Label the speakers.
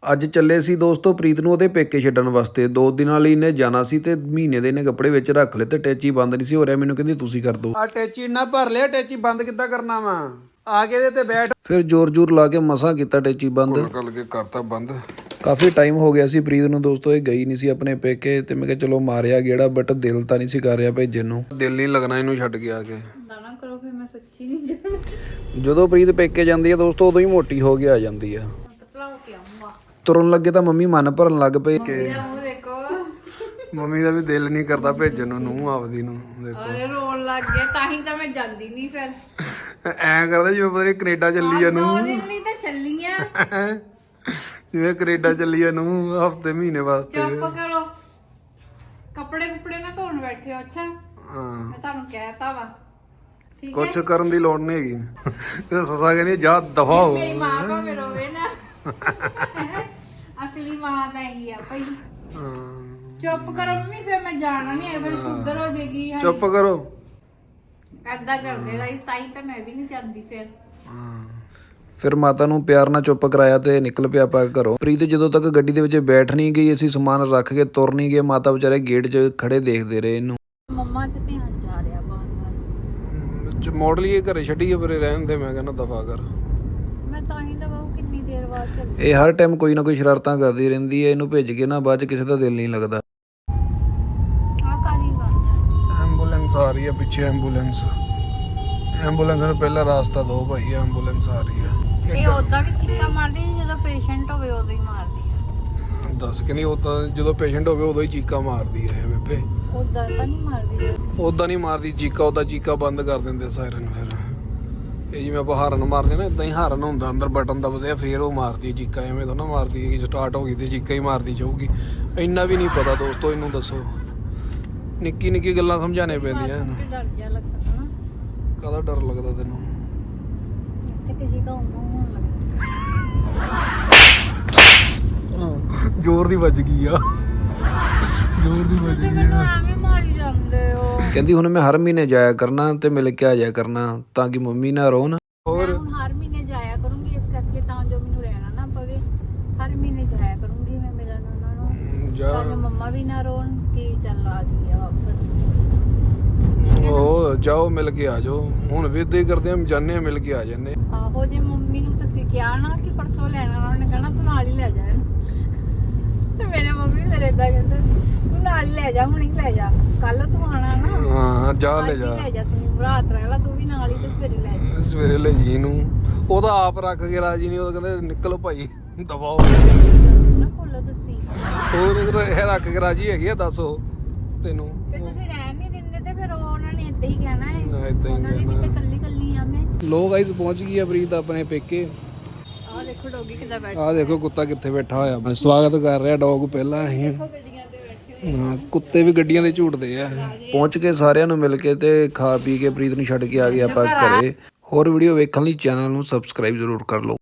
Speaker 1: ਅੱਜ ਚੱਲੇ ਸੀ ਦੋਸਤੋ ਪ੍ਰੀਤ ਨੂੰ ਉਹਦੇ ਪੇਕੇ ਛੱਡਣ ਵਾਸਤੇ। 2 ਦਿਨਾਂ ਲਈ ਇਹਨੇ ਜਾਣਾ ਸੀ ਤੇ ਮਹੀਨੇ ਦੇ ਇਹਨੇ ਕੱਪੜੇ ਵਿੱਚ ਰੱਖ ਲਏ ਤੇ ਟੈਚੀ ਬੰਦ ਨਹੀਂ ਸੀ ਹੋ ਰਿਹਾ। ਮੈਨੂੰ ਕਹਿੰਦੀ ਤੁਸੀਂ ਕਰ ਦੋ।
Speaker 2: ਆ ਟੈਚੀ ਨਾ ਭਰ ਲਿਆ, ਟੈਚੀ ਬੰਦ ਕਿੱਦਾਂ ਕਰਨਾ ਵਾ? ਆ ਕੇ ਇਹਦੇ ਤੇ ਬੈਠ।
Speaker 1: ਫਿਰ ਜ਼ੋਰ ਲਾ ਕੇ ਮਸਾਂ ਕੀਤਾ ਟੈਚੀ ਬੰਦ।
Speaker 2: ਕੱਲ ਕੇ ਕਰਤਾ ਬੰਦ।
Speaker 1: ਕਾਫੀ ਟਾਈਮ ਹੋ ਗਿਆ ਸੀ ਪ੍ਰੀਤ ਨੂੰ ਦੋਸਤੋ, ਇਹ ਗਈ ਨਹੀਂ ਸੀ ਆਪਣੇ ਪੇਕੇ ਤੇ ਮੈਂ ਕਿਹਾ ਚਲੋ ਮਾਰਿਆ ਗੇੜਾ, ਬਟ ਦਿਲ ਤਾਂ ਨਹੀਂ ਸੀ ਕਰ ਰਿਹਾ ਭੇਜਣ ਨੂੰ।
Speaker 2: ਦਿਲ ਨਹੀਂ ਲੱਗਣਾ ਇਹਨੂੰ ਛੱਡ ਕੇ ਆ ਕੇ।
Speaker 3: ਨਾ ਕਰੋ ਫਿਰ ਮੈਂ ਸੱਚੀ ਨਹੀਂ ਜਾਣਾ।
Speaker 1: ਜਦੋਂ ਪ੍ਰੀਤ ਪੇਕੇ ਜਾਂਦੀ ਹੈ ਦੋਸਤੋ ਉਦੋਂ ਹੀ ਮੋਟੀ ਹੋ ਕੇ ਆ ਜਾਂਦੀ ਆ।
Speaker 3: ਪਤਲਾ ਹੋ ਕੇ ਆਉਂਗਾ।
Speaker 1: ਤੁਰਨ ਲੱਗੇ ਤਾਂ ਮੰਮੀ ਮਨ ਭਰਨ ਲੱਗ ਪਏ ਕਿ
Speaker 3: ਇਹਦਾ ਮੂੰਹ ਦੇਖੋ।
Speaker 2: ਮੰਮੀ ਦਾ ਵੀ ਦਿਲ ਨਹੀਂ ਕਰਦਾ ਭੇਜਣ ਨੂੰ ਆਪਦੀ ਨੂੰ। ਦੇਖੋ
Speaker 3: ਅਰੇ ਰੋਣ ਲੱਗ ਗਿਆ, ਤਾਂ ਹੀ ਤਾਂ ਮੈਂ ਜਾਂਦੀ ਨਹੀਂ ਫਿਰ।
Speaker 2: ਐਂ ਕਰਦਾ ਜਿਵੇਂ ਪਤਾ ਨਹੀਂ ਕੈਨੇਡਾ ਚੱਲੀ ਆ ਨੂੰ।
Speaker 3: 2 ਦਿਨ ਲਈ ਤਾਂ ਚੱਲੀਆਂ।
Speaker 2: ਜਿਵੇਂ ਕੈਨੇਡਾ ਚੱਲੀ ਆ ਨੂੰ ਹਫਤੇ ਮਹੀਨੇ ਵਾਸਤੇ।
Speaker 3: ਚੁੱਪ ਕਰੋ, ਕੱਪੜੇ ਕੁਪੜੇ ਨਾ ਧੋਣ ਬੈਠੇ ਹੋ। ਅੱਛਾ
Speaker 2: ਹਾਂ,
Speaker 3: ਮੈਂ ਤੁਹਾਨੂੰ ਕਹਿਤਾ ਵਾ, ਠੀਕ ਹੈ?
Speaker 2: ਕੁਛ ਕਰਨ ਦੀ ਲੋੜ ਨਹੀਂ ਹੈਗੀ। ਤੇ ਸੱਸਾ ਕਹਿੰਦੀ ਜਾ ਦਫਾ ਹੋ।
Speaker 3: ਮੇਰੀ ਮਾਂ ਭਾਵੇਂ ਰੋਵੇ ਨਾ, ਅਸਲੀ ਮਾਂ ਤਾਂ ਇਹੀ ਆ ਭਾਈ। ਚੁੱਪ ਕਰੋ ਮੰਮੀ, ਫਿਰ ਮੈਂ ਜਾਣਾ ਨਹੀਂ ਹੈ, ਫਿਰ ਸ਼ੂਗਰ ਹੋ ਜਾਏਗੀ।
Speaker 2: ਚੁੱਪ ਕਰੋ।
Speaker 3: ਏਦਾਂ ਕਰ ਦੇਗਾ ਇਸ ਤਾਈ ਤਾਂ ਮੈਂ ਵੀ ਨਹੀਂ ਜਾਂਦੀ ਫਿਰ।
Speaker 1: ਫਿਰ ਮਾਤਾ ਨੂੰ ਪਿਆਰ ਨਾਲ ਚੁੱਪ ਕਰਾਇਆ ਤੇ ਨਿਕਲ ਪਿਆ ਆਪਾਂ ਘਰੋਂ। ਪ੍ਰੀਤ ਜਦੋਂ ਤੱਕ ਗੱਡੀ ਦੇ ਵਿੱਚ ਬੈਠ ਨਹੀਂ ਗਈ, ਅਸੀਂ ਸਮਾਨ ਰੱਖ ਕੇ ਤੁਰ ਨਹੀਂ ਗਏ। ਮਾਤਾ ਵਿਚਾਰੇ ਗੇਟ 'ਚ ਖੜੇ ਦੇਖਦੇ ਰਹੇ ਇਹਨੂੰ।
Speaker 3: ਮੰਮਾ 'ਚ ਧਿਆਨ ਜਾ ਰਿਹਾ ਬਾਰ-ਬਾਰ।
Speaker 2: ਮੋੜ ਲਈਏ ਘਰੇ ਛੱਡੀਏ ਫਿਰ ਰਹਿਣ ਦੇ। ਮੈਂ ਕਹਿੰਦਾ ਦਫਾ ਕਰ।
Speaker 3: ਮੈਂ ਤਾਂ ਹੀ ਤਾਂ ਬਾਬੂ ਕਿੰਨੀ ਦੇਰ ਬਾਅਦ ਚੱਲ।
Speaker 1: ਇਹ ਹਰ ਟਾਈਮ ਕੋਈ ਨਾ ਕੋਈ ਸ਼ਰਾਰਤਾਂ ਕਰਦੀ ਰਹਿੰਦੀ ਹੈ। ਇਹਨੂੰ ਭੇਜ ਕੇ ਨਾ ਬਾਅਦ 'ਚ ਕਿਸੇ ਦਾ ਦਿਲ ਨਹੀਂ ਲੱਗਦਾ।
Speaker 3: ਆ ਕਾਦੀ ਗੱਲ
Speaker 2: ਐਂਬੂਲੈਂਸ ਆ ਰਹੀ ਹੈ ਪਿੱਛੇ। ਐਂਬੂਲੈਂਸ ਨੂੰ ਪਹਿਲਾ ਰਾਸਤਾ ਦੋ ਭਾਈ। ਐਂਬੂਲੈਂਸ ਆ ਰਹੀ ਹੈ।
Speaker 3: ਇਹ ਉਦਾਂ ਵੀ ਚੀਕਾਂ ਮਾਰਦੀ ਜਦੋਂ ਪੇਸ਼ੈਂਟ ਹੋਵੇ, ਉਦੋਂ ਹੀ ਮਾਰਦੀ ਆ।
Speaker 2: ਦੱਸ ਕਿ ਨਹੀਂ, ਉਹ ਤਾਂ ਜਦੋਂ ਪੇਸ਼ੈਂਟ ਹੋਵੇ ਉਦੋਂ ਹੀ ਚੀਕਾਂ ਮਾਰਦੀ ਹੈ ਬੇਬੇ।
Speaker 3: ਉਦਾਂ ਤਾਂ ਨਹੀਂ ਮਾਰਦੀ।
Speaker 2: ਉਦਾਂ ਨਹੀਂ ਮਾਰਦੀ ਚੀਕਾਂ, ਉਦਾਂ ਚੀਕਾਂ ਬੰਦ ਕਰ ਦਿੰਦੇ ਸਾਇਰਨ। ਫਿਰ ਇਹ ਜਿਵੇਂ ਆਪਾਂ ਹਾਰਨ ਮਾਰਦੇ ਨਾ, ਇਦਾਂ ਹੀ ਹਾਰਨ ਹੁੰਦਾ ਅੰਦਰ ਬਟਨ ਦਬਦੇ ਆ, ਫਿਰ ਉਹ ਮਾਰਦੀ ਚੀਕਾਂ। ਐਵੇਂ ਤਾਂ ਨਾ ਮਾਰਦੀ ਕਿ ਸਟਾਰਟ ਹੋ ਗਈ ਤੇ ਚੀਕਾਂ ਹੀ ਮਾਰਦੀ ਜਾਊਗੀ। ਇੰਨਾ ਵੀ ਨਹੀਂ ਪਤਾ ਦੋਸਤੋ, ਇਹਨੂੰ ਦੱਸੋ। ਨਿੱਕੀ ਨਿੱਕੀ ਗੱਲਾਂ ਸਮਝਾਣੇ ਪੈਂਦੀਆਂ।
Speaker 3: ਡਰ ਜਾ ਲੱਗਦਾ ਨਾ।
Speaker 2: ਕਾਹਦਾ ਡਰ ਲੱਗਦਾ ਤੈਨੂੰ?
Speaker 3: ਇੱਥੇ ਕਿਸੇ ਦਾ ਹੋਣ ਲੱਗ
Speaker 2: ਜ਼ੋਰ ਦੀ ਵੱਜ ਗਈ ਆ। ਜ਼ੋਰ ਦੀ ਵੱਜ
Speaker 3: ਤੁਸੀਂ
Speaker 2: ਗਈ
Speaker 3: ਮੈਨੂੰ
Speaker 2: ਆ।
Speaker 3: ਐਵੇਂ ਮਾਰੀ ਜਾਂਦੇ ਹੋ।
Speaker 1: ਕਹਿੰਦੀ ਹੁਣ ਮੈਂ ਹਰ ਮਹੀਨੇ ਜਾਇਆ ਕਰਨਾ ਤੇ ਮਿਲ ਕੇ ਆ ਜਾਇਆ ਕਰਨਾ ਤਾਂ ਕਿ ਮੰਮੀ ਨਾ ਰੋਣ।
Speaker 2: ਹੋਰ
Speaker 3: ਮੈਂ ਹੁਣ ਹਰ ਮਹੀਨੇ ਜਾਇਆ ਕਰੂੰਗੀ, ਇਸ ਕਰਕੇ ਤਾਂ ਜੋ ਮੈਨੂੰ ਰਹਿਣਾ ਨਾ ਪਵੇ। ਹਰ ਮਹੀਨੇ ਜਾਇਆ ਕਰੂੰਗੀ ਮੈਂ ਮਿਲਣ ਉਹਨਾਂ ਨੂੰ,
Speaker 2: ਜਾ
Speaker 3: ਤਾਂ ਜੋ ਮੰਮਾ ਵੀ ਨਾ ਰੋਣ ਕਿ ਚੱਲ ਆ ਗਈ ਆ ਵਾਪਸ।
Speaker 2: ਉਹ ਜਾਓ ਮਿਲ ਕੇ ਆ ਜਾਓ। ਹੁਣ ਵੀ ਏਦਾਂ ਹੀ ਕਰਦੇ ਆ, ਜਾਂਦੇ ਆ ਮਿਲ ਕੇ ਆ ਜਾਂਦੇ।
Speaker 3: ਆਹੋ, ਜੇ ਮੰਮੀ ਨੂੰ ਤੁਸੀਂ ਕਿਹਾ ਨਾ ਕਿ ਪਰਸੋਂ ਲੈਣਾ, ਉਹਨਾਂ ਨੇ ਕਹਿਣਾ ਤੂੰ ਨਾਲ ਹੀ ਲੈ ਜਾ ਇਹਨੂੰ। ਤੇ ਮੇਰੇ ਮੰਮੀ ਮੇਰੇ ਏਦਾਂ ਕਹਿੰਦੇ ਤੂੰ ਨਾਲ ਹੀ ਲੈ ਜਾ, ਹੁਣ ਹੀ ਲੈ ਜਾ, ਕੱਲ ਤੂੰ ਆਣਾ ਨਾ।
Speaker 2: ਹਾਂ ਜਾ ਲੈ
Speaker 3: ਅੱਜ ਹੀ
Speaker 2: ਜਾ।
Speaker 3: ਲੈ ਜਾ, ਤੂੰ ਰਾਤ ਰਹਿ ਲਾ ਤੂੰ ਵੀ ਨਾਲ ਹੀ, ਤੇ ਸਵੇਰੇ ਲੈ ਜਾ।
Speaker 2: ਸਵੇਰੇ ਲੈ ਜੀ ਨੂੰ। ਉਹਦਾ ਆਪ ਰੱਖ ਕੇ ਰਾਜੀ ਨਹੀਂ। ਉਹ ਕਹਿੰਦੇ ਨਿਕਲੋ ਭਾਈ ਦਬਾਓ।
Speaker 3: ਨਾ ਭੁੱਲੋ ਤੁਸੀਂ।
Speaker 2: ਹੋਰ ਇਹ ਰੱਖ ਕੇ ਰਾਜੀ ਹੈਗੀ ਆ, ਦੱਸੋ ਤੈਨੂੰ।
Speaker 3: ਫਿਰ ਤੁਸੀਂ ਰਹਿਣ ਨਹੀਂ ਦਿੰਦੇ ਤੇ ਫਿਰ ਉਹਨਾਂ ਨੇ ਏਦਾਂ ਹੀ ਕਹਿਣਾ ਹੈ।
Speaker 2: ਏਦਾਂ ਹੀ
Speaker 3: ਉਹਨਾਂ ਦੀ ਵੀ ਤੇ ਕੱਲੀ ਕੱਲੀ ਆ ਮੈਂ।
Speaker 2: ਲੋ ਗਾਇਸ ਪਹੁੰਚ ਗਈ ਆ ਪ੍ਰੀਤ ਆਪਣੇ ਪੇਕੇ।
Speaker 3: ਆਹ ਦੇਖੋ ਡੋਗੀ ਕਿੱਦਾਂ ਬੈਠਾ।
Speaker 2: ਆਹ ਦੇਖੋ ਕੁੱਤਾ ਕਿੱਥੇ ਬੈਠਾ ਹੋਇਆ। ਮੈਂ ਸਵਾਗਤ ਕਰ ਰਿਹਾ ਡੌਗ ਪਹਿਲਾਂ ਅਸੀਂ।
Speaker 3: ਗੱਡੀਆਂ ਤੇ ਬੈਠੇ
Speaker 2: ਹਾਂ, ਕੁੱਤੇ ਵੀ ਗੱਡੀਆਂ ਦੇ ਝੂਟਦੇ ਆ।
Speaker 1: ਪਹੁੰਚ ਕੇ ਸਾਰਿਆਂ ਨੂੰ ਮਿਲ ਕੇ ਤੇ ਖਾ ਪੀ ਕੇ ਪ੍ਰੀਤ ਨੂੰ ਛੱਡ ਕੇ ਆ ਗਏ ਆਪਾਂ ਘਰੇ। ਹੋਰ ਵੀਡੀਓ ਵੇਖਣ ਲਈ ਚੈਨਲ ਨੂੰ ਸਬਸਕ੍ਰਾਈਬ ਜ਼ਰੂਰ ਕਰ ਲਓ।